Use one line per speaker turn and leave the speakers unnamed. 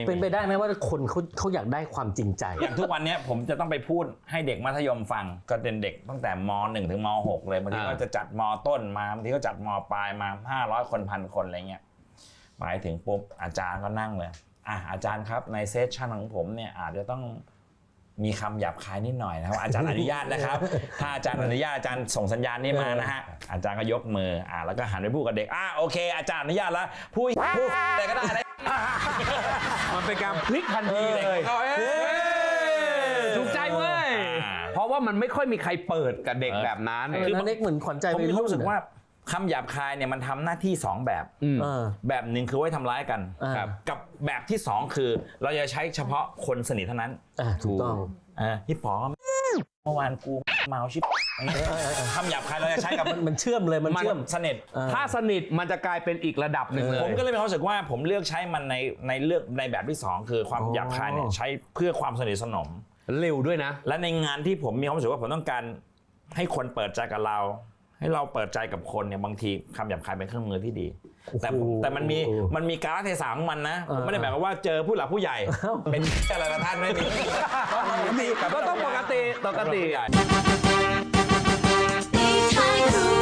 เป็นไปได้ไหมว่าคนเขาอยากได้ความจริงใจ
อย่างทุกวันนี้ผมจะต้องไปพูดให้เด็กมัธยมฟังก็เป็นเด็กตั้งแต่ม.1 ถึงม.6 เลยบางทีก็จะจัดม.ต้นมาบางทีก็จัดม.ปลายมา500 คน1,000 คนอะไรเงี้ยหมายถึงปุ๊บอาจารย์ก็นั่งเลยอาจารย์ครับในเซสชั่นของผมเนี่ยอาจจะต้องมีคำหยาบคายนิดหน่อยนะครับอาจารย์อนุญาตนะครับถ้าอาจารย์อนุญาตอาจารย์ส่งสัญญาณนี้มานะฮะอาจารย์ก็ยกมือแล้วก็หันไปพูดกับเด็กโอเคอาจารย์อนุญาตแล้วพูดอะไรก็ได้นะ
มันเป็นการพลิกทันทีเลยถูกใจเว้ยเพราะว่ามันไม่ค่อยมีใครเปิดกับเด็กแบบนั้น
คือเด็กเหมือนขวัญใจ
ผมมีความรู้สึกว่าคำหยาบคายเนี่ยมันทำหน้าที่2แบบแบบหนึ่งคือไว้ทำร้ายกันกับแบบที่2คือเราจะใช้เฉพาะคนสนิทเท่านั้น
ถูกต้อง
พี่ป๋อเมื่อวานกูเมาชิบคำหยาบคายเราจะใช้กับ
มันเชื่อมเลยมันเชื่อม
สนิท
ถ้าสนิทมันจะกลายเป็นอีกระดับหนึ่งเลย
ผมก็เลยมีความรู้สึกว่าผมเลือกใช้มันในเลือกในแบบที่2คือความหยาบคายเนี่ยใช้เพื่อความสนิทสนม
เร็วด้วยนะ
และในงานที่ผมมีความรู้สึกว่าผมต้องการให้คนเปิดใจกับเราให้เราเปิดใจกับคนเนี่ยบางทีคำหยาบคายเป็นเครื่องมือที่ดีแต่มันมีกาลเทศะของมันนะผมไม่ได้แบบว่าเจอผู้หลักผู้ใหญ่เป็นอะไรละท่านไม่มี
ก็ต้องปกติ